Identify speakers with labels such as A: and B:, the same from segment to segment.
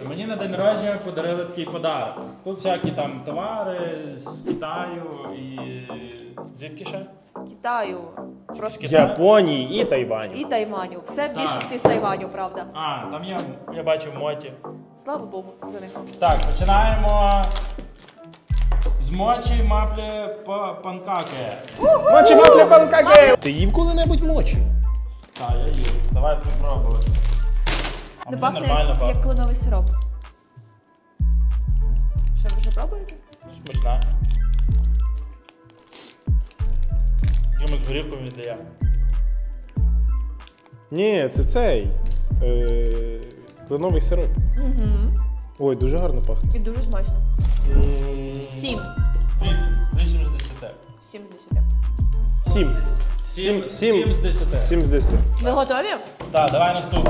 A: Мені на день народження подарили такий подарок. Тут всякі там товари з Китаю і... Звідки ще?
B: З Китаю.
A: З
B: Просто
A: Китаю?
C: Японії і Тайваню.
B: і Тайваню. Все в
A: Так.
B: більшості з Тайваню, правда.
A: А, там я бачив моті.
B: Слава Богу за них.
A: Так, починаємо з мочі маплі панкаки.
C: Мочі маплі панкаки! Ти їв коли-небудь мочі?
A: Так, я їв. Давай попробувати. А
B: Не
A: мені
B: пахне
A: нормально
B: як
A: пахне.
B: кленовий сироп. Що, ви вже пробуєте?
A: Смачна. Якимось горіхом віддає.
C: Ні, це цей. Кленовий сироп.
B: Угу.
C: Ой, дуже гарно пахне.
B: І дуже смачно. 7.
A: 8. 8 з 10.
B: 7 з 10.
C: 7.
A: 7
C: Сім.
A: з 10.
C: 7 з 10.
B: Ви готові?
A: Так, давай наступне.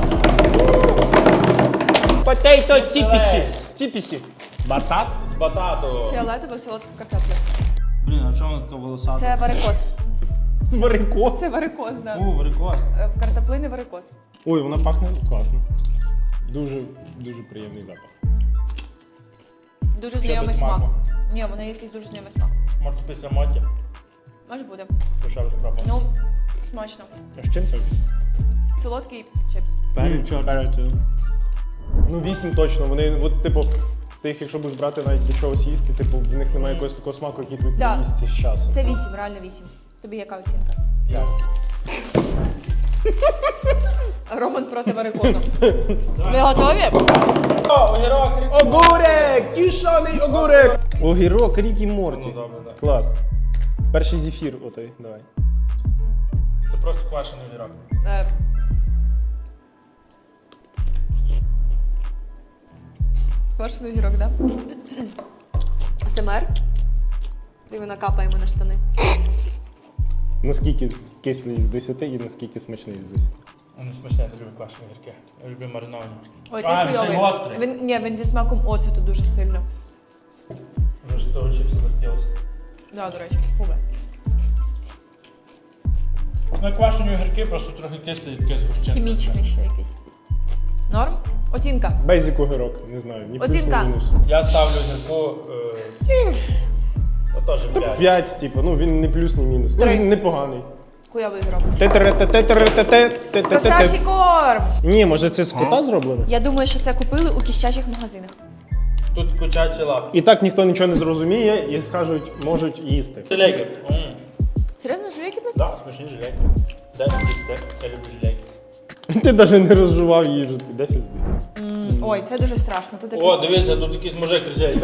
C: Потейто
A: тіпісі.
C: Тіпісі.
A: Батат з батату.
B: Фіолетова солодка картопля.
A: Блін, а чому вона така волосата?
B: Це варикоз.
C: Варикоз.
B: Це варикоз, так.
A: Фу, варикоз.
B: В картоплини варикоз.
C: Ой, вона пахне класно. Дуже, дуже приємний запах.
B: Дуже
A: Ще
B: знайомий
A: без
B: смак.
A: смаку.
B: Ні, вона якийсь дуже знайомий смак.
A: Може після моті?
B: Може буде.
A: То ще раз спробуємо.
B: Ну, смачно.
C: А з чим це?
B: Солодкий чипс.
C: Ну 8 точно. Вони, от, типу, ти їх, якщо будеш брати навіть для чогось їсти, типу, в них немає якогось такого смаку, який тобі
B: Да.
C: їсти з часом.
B: Це 8, реально 8. Тобі яка оцінка?
C: Так.
B: Роман проти варикозу. Ви готові?
A: О, огірок, рік.
C: Огурек! Кішаний огурек! Огірок, Рік і Морті.
A: Ну, добре, так.
C: Клас. Перший зефір, отой, давай.
A: Це просто квашений огірок.
B: Квашений огірок, так? СМР. І вона капає на штани.
C: Наскільки кислий з 10 і наскільки смачний з 10?
A: Вони смачні, я люблю квашені огірки. Я люблю мариновані.
B: Ой,
A: А,
B: це
A: він ще й
B: хуйовий.
A: гострий.
B: Він зі смаком оцету дуже сильно.
A: Вже ж того чипсу захотілося.
B: Да, до речі, губи.
A: Ну, квашені огірки просто трохи кислі і таке з гущенкою.
B: Хімічний ще якийсь. Норм? Оцінка.
C: Бейзик огірок, не знаю, ні плюс, ні
B: Оцінка.
C: мінус.
A: Я ставлю огірку... Теж 5.
C: 5, типу, ну він не плюс, ні мінус. Ну,
B: Три.
C: він непоганий.
B: Хуйовий огірок.
C: Те-те-те-те-те-те-те-те-те.
B: Кошачий корм!
C: Ні, може це з кота зроблено?
B: Я думаю, що це купили у кіщачих магазинах.
A: Тут курчачі лапки.
C: І так ніхто нічого не зрозуміє і скажуть, можуть їсти.
A: Жилейки.
B: Серйозно, жилейки просто?
A: Так, смачні жилейки. 10 з 10. Я люблю жилейки.
C: Ти навіть не розжував її вже 10 з 10.
B: Ой, це дуже страшно. Тут
A: О,
B: якийсь...
A: дивіться, тут якийсь мужик кричить.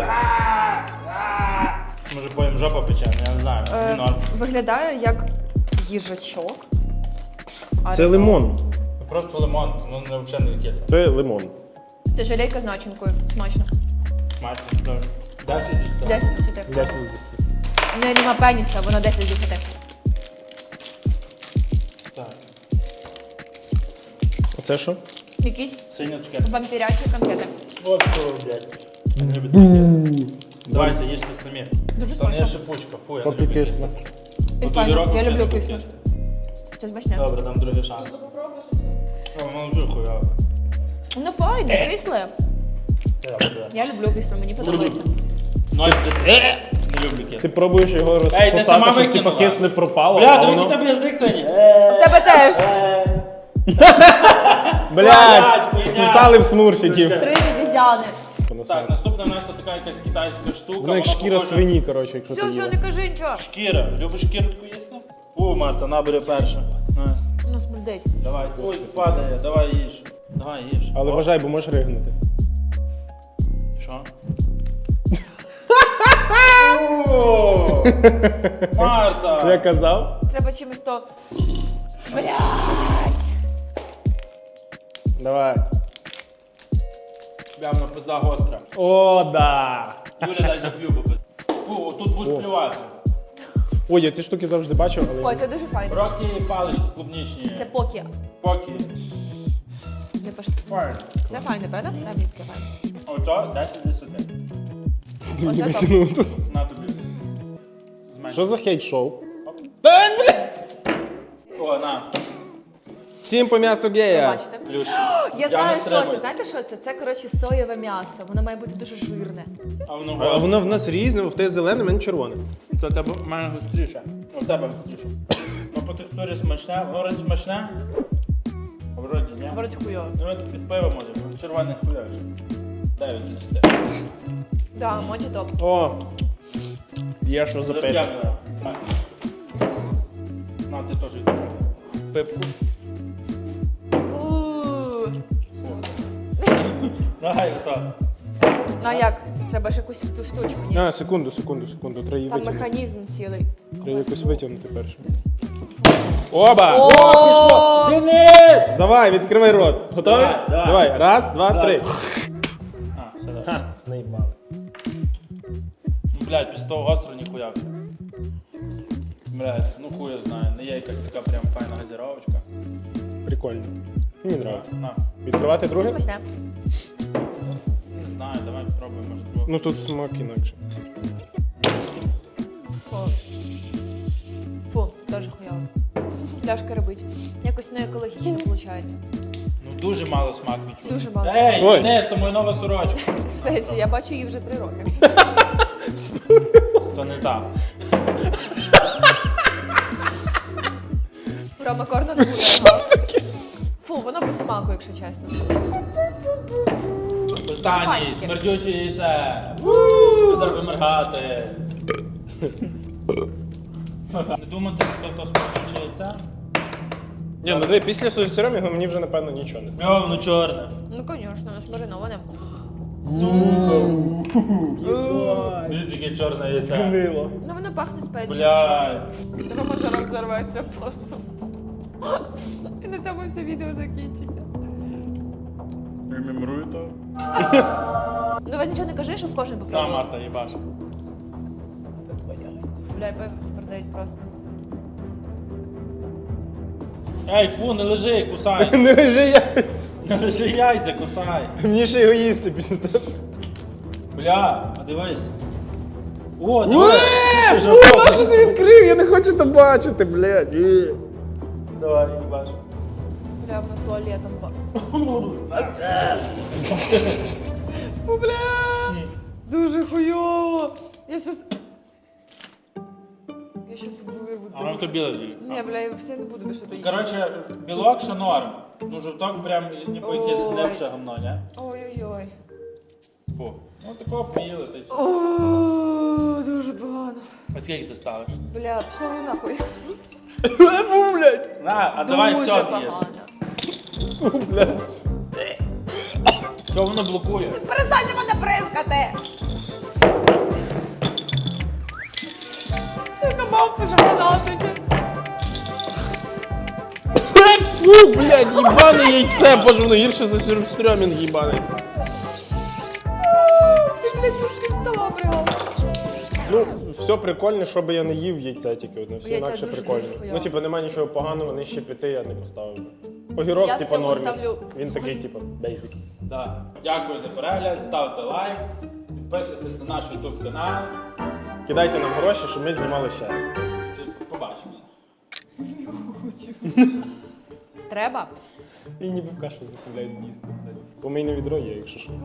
A: Може поїм жопа пече, я не знаю. Норм.
B: Виглядає як їжачок.
C: Це лимон.
A: Просто лимон, воно взагалі не кисле.
C: Це лимон.
B: Це жилейка з начинкою. Смачно.
A: Смачно. Добре. 10 з 10.
B: 10 з 10.
C: 10 з 10.
B: У неї нема пеніса, воно 10 з 10.
A: Так.
C: Оце що?
B: Якісь
A: Синя цукерка.
B: вампірячі конфети.
A: От що, блядь. Я не люблю. Давайте, їжте самі.
B: Дуже
A: Там є
B: смачно.
A: шипучка, фу, я не
C: Поки
A: люблю.
C: кисло.
B: Файно. Я люблю кисло. Це смачне.
A: Добре, дам другий шанс. Воно вже хуйове.
B: Воно файне, кисле. Я люблю кисле, мені подобається.
A: 0 з 10. Не люблю кисле.
C: Ти пробуєш його
A: Ей, ти
C: розсосати,
A: сама
C: щоб типа
A: викинула.
C: кисле пропало,
A: Бля,
C: а
A: диви,
C: воно...
A: який тебе язик сьогодні.
B: В тебе теж.
C: Блядь,
A: хуйня.
C: стали в смурфіків.
B: 3 обізяни.
A: Так, наступна в нас така якась китайська штука.
C: Воно як шкіра
A: похожа-
C: свині, коротше, якщо ти
B: Все,
C: їла.
B: не кажи нічого.
A: Шкіра. Любиш шкірку їсти? Фу, Марта, набери перше. На,
B: Воно смердить.
A: давай. Ой, падає, давай їж. Давай їж.
C: Але
A: О,
C: вважай, бо можеш ригнути.
A: Що? О, Марта!
C: Я казав?
B: Треба чимось то... Блядь.
C: Давай.
A: Прямо пизда гостра.
C: О, да.
A: Юля, дай зап'ю, бо пиз- Фу, тут будеш
C: О.
A: плювати.
C: Ой, я ці штуки завжди бачив, але...
B: Ой, це дуже файно.
A: Рокі палички клубнічні.
B: Це покі.
A: Поки.
B: Не пошти.
A: Файно.
B: Це файне, правда? Дай мені таке файне.
A: Ото 10 з 10.
C: Ти мені
B: Оце топ.
C: витягнув тут.
A: На тобі. Зменш.
C: Що за хейт-шоу?
A: О, на.
C: Всім по м'ясу гея.
B: Бачите?
A: Плюс.
B: Я знаю,
A: не
B: що
A: стримуюсь.
B: це. Знаєте, що це? Це, коротше, соєве м'ясо. Воно має бути дуже жирне.
A: А воно
C: А воно в нас різне, в тебе зелене, в мене червоне.
A: Це тебе в мене гостріше. У тебе гостріше. Ну по текстурі смачне, воно вроді смачне. А вроді ні.
B: Вроді хуйово.
A: Ну от під пиво може бути. Червоний хуйовий. 9 з 10.
B: Да, моді топ.
C: О! Є що запити.
A: Зап'явлено. На, ти теж йди. Пипку.
B: Ууу.
A: Давай, отак.
B: Ну а як? Треба ж якусь ту штучку, ні?
C: А, секунду. Треба її
B: Там
C: витягнути.
B: механізм цілий.
C: Треба якось витягнути перше. Оба!
B: О!
A: Денис!
C: Давай, відкривай рот. Готовий?
A: Давай.
C: Давай. Раз, два,
A: Давай.
C: три.
A: А, все, давай.
C: Ха, наїбали.
A: Ну, блядь, після того гостро ніхуя. Блядь, ну хуя знаю. Не є якась така прям файна газіровочка.
C: Прикольно. Мені подобається.
A: На.
C: Відкривати друге?
B: Смачне.
A: Не знаю, давай спробуємо, може друге.
C: Ну тут смак інакше.
B: Фу. Фу, теж хуйово. Пляшка робить. Якось не екологічно виходить.
A: Ну дуже мало смак відчув.
B: Дуже мало.
A: Ей,
C: Ой.
A: Денис, то моя нова сорочка.
B: В сенсі, я бачу її вже 3 роки.
A: Це не так.
B: Рома Корна не буде. Фу, воно без смаку, якщо чесно.
A: Останній,
B: Фантики.
A: смердюче яйце. Треба виморгати. Не думати, що то смердюче яйце?
C: Ні, ну диви, після сосіроміга мені вже напевно нічого не стало.
A: Йо, воно чорне.
B: Ну, звісно, воно ж мариноване.
A: Дивіться, яке чорне яйце.
C: Гнило.
B: Ну, воно пахне спецією.
A: Блядь.
B: Рома зараз взорветься просто. І на цьому все відео закінчиться.
A: Ремемрую то.
B: Ну, ви нічого не кажи, що в кожен
A: На,
B: попробував.
A: Марта, їбаш.
B: Бля, пиво продають просто.
A: Ей, фу, не лежи, кусай.
C: Не лежи яйця.
A: Не лежи яйця, кусай.
C: Мені ще його їсти після того.
A: Бля, а дивись. О, давай. Ти ж
C: А що ти відкрив? Я не хочу то бачити, блядь.
A: Давай, їбаш.
B: Бля, воно туалетом О, бля! Дуже хуйово! Я щас вирву.
A: А воно в тобі лежить.
B: Ні, бля, я все не буду більше доїсти.
A: Коротше, білок ще норм. Ну, жовток прям ніби якесь
B: Ой.
A: глибше гамно, не?
B: Ой-ой-ой.
A: Фу. Ну такого поїли, та й все.
B: О, дуже погано.
A: А скільки ти ставиш?
B: Бля, пішов ви нахуй.
C: Фу, блядь.
A: На, а давай
B: Дуже
A: все з'їж.
B: погано.
C: Фу, блядь.
A: Що воно блокує?
B: Перестаньте мене бризкати! Яка мавпа загадати.
C: Фу, блядь, їбане яйце, боже, воно гірше за сюрстрьомінг їбаний.
B: Ти, блядь, тушки встала прямо.
C: Ну, все прикольне, щоб я не їв яйця тільки одне, все
B: Яйця
C: інакше
B: дуже
C: прикольно.
B: хуйово.
C: Ну, типу, немає нічого поганого, нижче 5 я не поставив би. Огірок,
B: Я
C: типу,
B: всьому
C: норміс.
B: ставлю.
C: Він такий, типу, бейзик.
A: Да. Дякую за перегляд, ставте лайк, підписуйтесь на наш YouTube канал.
C: Кидайте нам гроші, щоб ми знімали ще.
A: І побачимося.
B: Треба?
C: І ніби в кашу заставляють їсти. Помийне відро є, якщо що.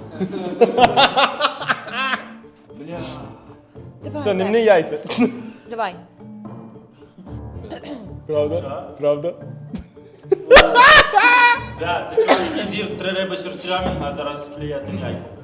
A: Бля.
B: Давай,
C: Все, не
B: давай.
C: мни яйця.
B: Давай.
C: Правда?
A: Що?
C: Правда?
A: Бля, це чоловік, який з'їв 3 риби сюрстрямінга, а зараз плює яйця.